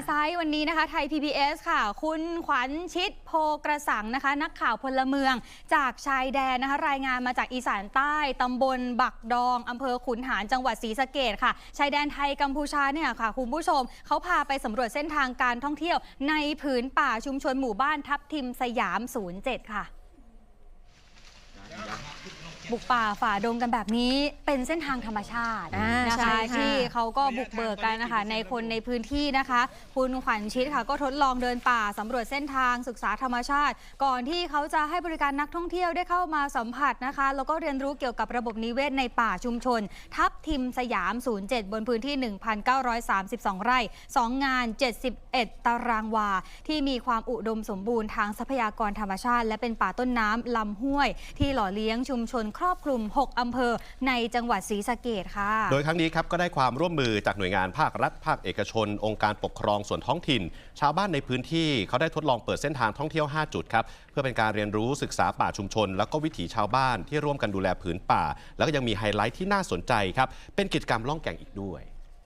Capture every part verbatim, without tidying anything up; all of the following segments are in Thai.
ไซต์วันนี้นะคะไทย พี บี เอส ค่ะคุณขวัญชิดโพกระสังนะคะนักข่าวพลเมืองจากชายแดนนะคะรายงานมาจากอีสานใต้ตำบลบักดองอำเภอขุนหารจังหวัดศรีสะเกษค่ะชายแดนไทยกัมพูชาเนี่ยค่ะคุณผู้ชมเขาพาไปสำรวจเส้นทางการท่องเที่ยวในผืนป่าชุมชนหมู่บ้านทับทิมสยาม ศูนย์เจ็ด ค่ะบุกป่าฝ่าดงกันแบบนี้เป็นเส้นทางธรรมชาตินะคะที่เขาก็บุกเบิกกันนะคะในคนในพื้นที่นะคะคุณขวัญชิดค่ะก็ทดลองเดินป่าสำรวจเส้นทางศึกษาธรรมชาติก่อนที่เขาจะให้บริการนักท่องเที่ยวได้เข้ามาสัมผัสนะคะแล้วก็เรียนรู้เกี่ยวกับระบบนิเวศในป่าชุมชนทับทิมสยาม ศูนย์ เจ็ด บนพื้นที่ หนึ่งพันเก้าร้อยสามสิบสอง ไร่สองงาน เจ็ดสิบเอ็ด ตารางวาที่มีความอุดมสมบูรณ์ทางทรัพยากรธรรมชาติและเป็นป่าต้นน้ำลำห้วยที่หล่อเลี้ยงชุมชนครอบคลุมหกอำเภอในจังหวัดศรีสะเกษค่ะโดยครั้งนี้ครับก็ได้ความร่วมมือจากหน่วยงานภาครัฐภาคเอกชนองค์การปกครองส่วนท้องถิ่นชาวบ้านในพื้นที่เขาได้ทดลองเปิดเส้นทางท่องเที่ยวห้าจุดครับเพื่อเป็นการเรียนรู้ศึกษาป่าชุมชนแล้วก็วิถีชาวบ้านที่ร่วมกันดูแลผืนป่าแล้วก็ยังมีไฮไลท์ที่น่าสนใจครับเป็นกิจกรรมล่องแก่งอีกด้วย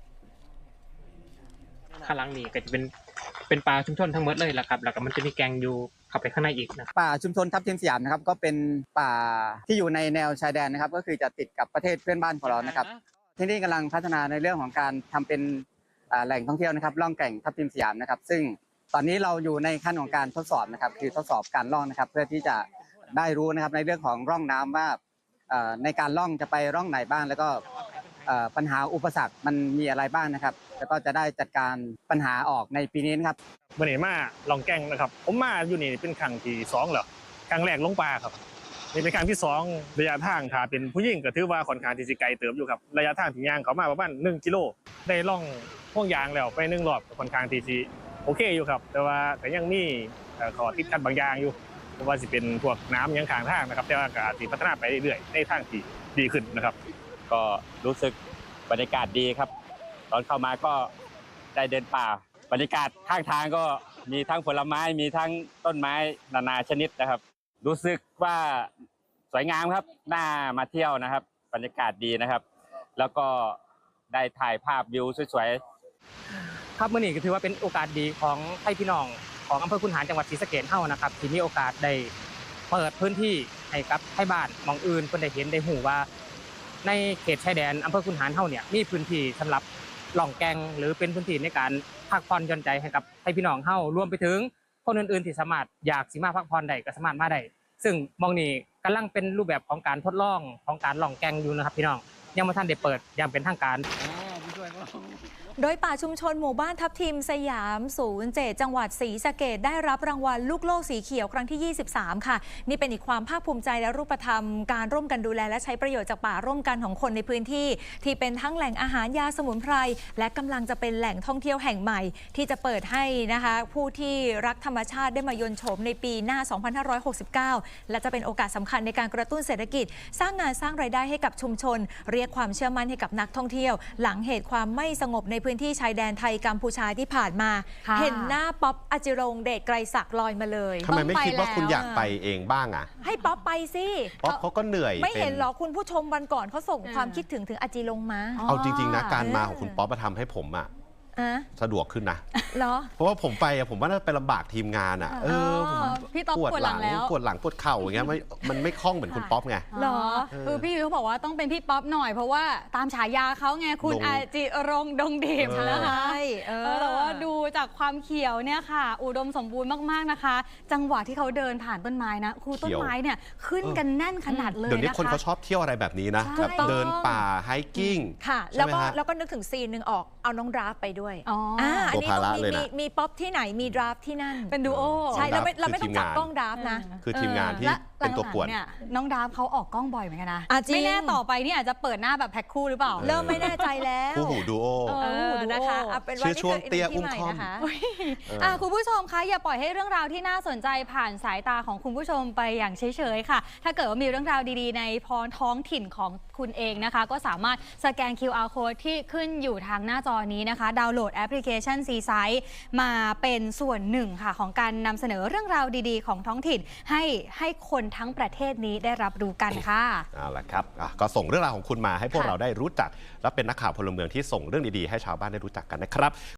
ข้างหลังนี่ก็จะเป็นเป็นป่าชุมชนทั้งหมดเลยแหละครับแล้วก็มันจะมีแกงอยู่เข้าไปข้างในอีกนะป่าชุมชนทับทิมสยามนะครับก็เป็นป่าที่อยู่ในแนวชายแดนนะครับก็คือจะติดกับประเทศเพื่อนบ้านของเรานะครับที่นี่กำลังพัฒนาในเรื่องของการทำเป็นแหล่งท่องเที่ยวนะครับล่องแก่งทับทิมสยามนะครับซึ่งตอนนี้เราอยู่ในขั้นของการทดสอบนะครับคือทดสอบการล่องนะครับเพื่อที่จะได้รู้นะครับในเรื่องของร่องน้ำว่าในการล่องจะไปร่องไหนบ้างแล้วก็ปัญหาอุปสรรคมันมีอะไรบ้างนะครับแล้วก็จะได้จัดการปัญหาออกในปีนี้นะครับวันนี้มาลองแก่งนะครับผมมาอยู่นี่เป็นครั้งที่สองแล้วครั้งแรกลงป่าครับนี่เป็นครั้งที่สองระยะทางถ้าเป็นผู้หญิงก็ถือว่าค่อนข้างที่สิไกลเติบอยู่ครับระยะทางที่ย่างเขามาประมาณหนึ่งกิโลได้ล่องห่วงยางแล้วไปหนึ่งรอบค่อนข้างที่สิโอเคอยู่ครับแต่ว่าแต่ยังมีข้อติดขัดบางอย่างอยู่เพราะว่าสิเป็นพวกน้ำยังข้างทางนะครับแต่ว่าก็อาจจะพัฒนาไปเรื่อยๆในทางที่ดีขึ้นนะครับก็รู้สึกบรรยากาศดีครับตอนเข้ามาก็ได้เดินป่าบรรยากาศข้างทางก็มีทั้งผลไม้มีทั้งต้นไม้นานาชนิดนะครับรู้สึกว่าสวยงามครับน่ามาเที่ยวนะครับบรรยากาศดีนะครับแล้วก็ได้ถ่ายภาพวิวสวยๆครับเมื่อนี้ก็ถือว่าเป็นโอกาสดีของไทยพี่น้องของอำเภอขุนหารจังหวัดศรีสะเกษเฮานะครับที่มีโอกาสได้เปิดพื้นที่ให้กับไทยบ้านมองอื่นเพิ่นได้เห็นได้หูว่าในเขตชายแดนอำเภอขุนหารเฮาเนี่ยมีพื้นที่สำหรับล่องแก่งหรือเป็นพื้นที่ในการพักผ่อนหย่อนใจให้กับให้พี่น้องเฮารวมไปถึงคนอื่นๆที่สามารถอยากสิมาพักผ่อนได้ก็สามารถมาได้ซึ่งมองนี่กำลังเป็นรูปแบบของการทดลองของการล่องแก่งอยู่นะครับพี่น้องยังไม่ทันได้เปิดอย่างเป็นทางการโดยป่าชุมชนหมู่บ้านทับทิมสยาม ศูนย์ เจ็ด จังหวัดศรีสะเกษได้รับรางวัลลูกโลกสีเขียวครั้งที่ ยี่สิบสาม ค่ะนี่เป็นอีกความภาคภูมิใจและรูปธรรมการร่วมกันดูแลและใช้ประโยชน์จากป่าร่วมกันของคนในพื้นที่ที่เป็นทั้งแหล่งอาหารยาสมุนไพรและกำลังจะเป็นแหล่งท่องเที่ยวแห่งใหม่ที่จะเปิดให้นะคะผู้ที่รักธรรมชาติได้มายนต์โฉมในปีหน้า สองพันห้าร้อยหกสิบเก้า และจะเป็นโอกาสสำคัญในการกระตุ้นเศรษฐกิจสร้างงานสร้างรายได้ให้กับชุมชนเรียกความเชื่อมั่นให้กับนักท่องเที่ยวหลังเหตุความไม่สงบในพื้นที่ชายแดนไทยกัมพูชาที่ผ่านมาเห็นหน้าป๊อปอจิรงค์เดชไกรศักดิ์ลอยมาเลยทำไมไม่คิดว่าคุณอยากไปเองบ้างอ่ะให้ป๊อปไปสิป๊อปเขาก็เหนื่อยไม่เห็นหรอคุณผู้ชมวันก่อนเขาส่งความคิดถึงถึงอจิรงค์มาเอาจริงๆนะการมาของคุณป๊อปมาทำให้ผมอ่ะสะดวกขึ้นนะเหรอเพราะว่าผมไปอะผมว่าน่าไปลำบากทีมงานอะเออพี่ต๊อบปวดหลังแล้วปวดหลังปวดเข่าอย่างเงี้ยไม่มันไม่คล่องเหมือนคุณป๊อปไงเหรอคือพี่เขาบอกว่าต้องเป็นพี่ป๊อปหน่อยเพราะว่าตามฉายาเขาไงคุณอาจิรงค์ดงดิบนะคะเออแต่ว่าดูจากความเขียวเนี่ยค่ะอุดมสมบูรณ์มากๆนะคะจังหวะที่เขาเดินผ่านต้นไม้นะคือต้นไม้เนี่ยขึ้นกันแน่นขนาดเลยนะคะเดี๋ยวนี้คนเขาชอบเที่ยวอะไรแบบนี้นะแบบเดินป่าไฮกิ้งค่ะแล้วก็แล้วก็นึกถึงซีนหนึ่งออกเอาน้องดราฟไปด้วยอันนี้มีมีป๊อปที่ไหนมีดราฟที่นั่นเป็นดูโอใช่เราไม่เราไม่ต้องจับกล้องดราฟนะคือทีมงานที่เป็นตัวป่วนเนี่ยน้องดราฟเขาออกกล้องบ่อยเหมือนกันนะไม่แน่ต่อไปนี่อาจจะเปิดหน้าแบบแพ็คคู่หรือเปล่าเริ่มไม่แน่ใจแล้วคู่หูดูโอนะคะชื่อช่วงเตี้ยอุ้มคอมคุณผู้ชมคะอย่าปล่อยให้เรื่องราวที่น่าสนใจผ่านสายตาของคุณผู้ชมไปอย่างเฉยๆค่ะถ้าเกิดว่ามีเรื่องราวดีๆในพรท้องถิ่นของคุณเองนะคะก็สามารถสแกน คิว อาร์ Code ที่ขึ้นอยู่ทางหน้าจอนี้นะคะดาวน์โหลดแอปพลิเคชัน ซี ไซต์ มาเป็นส่วนหนึ่งค่ะของการนำเสนอเรื่องราวดีๆของท้องถิ่นให้ให้คนทั้งประเทศนี้ได้รับรู้กันค่ะเอาล่ะครับก็ส่งเรื่องราวของคุณมาให้พวกเราได้รู้จักและเป็นนักข่าวพลเมืองที่ส่งเรื่องดีๆให้ชาวบ้านได้รู้จักกันนะครับ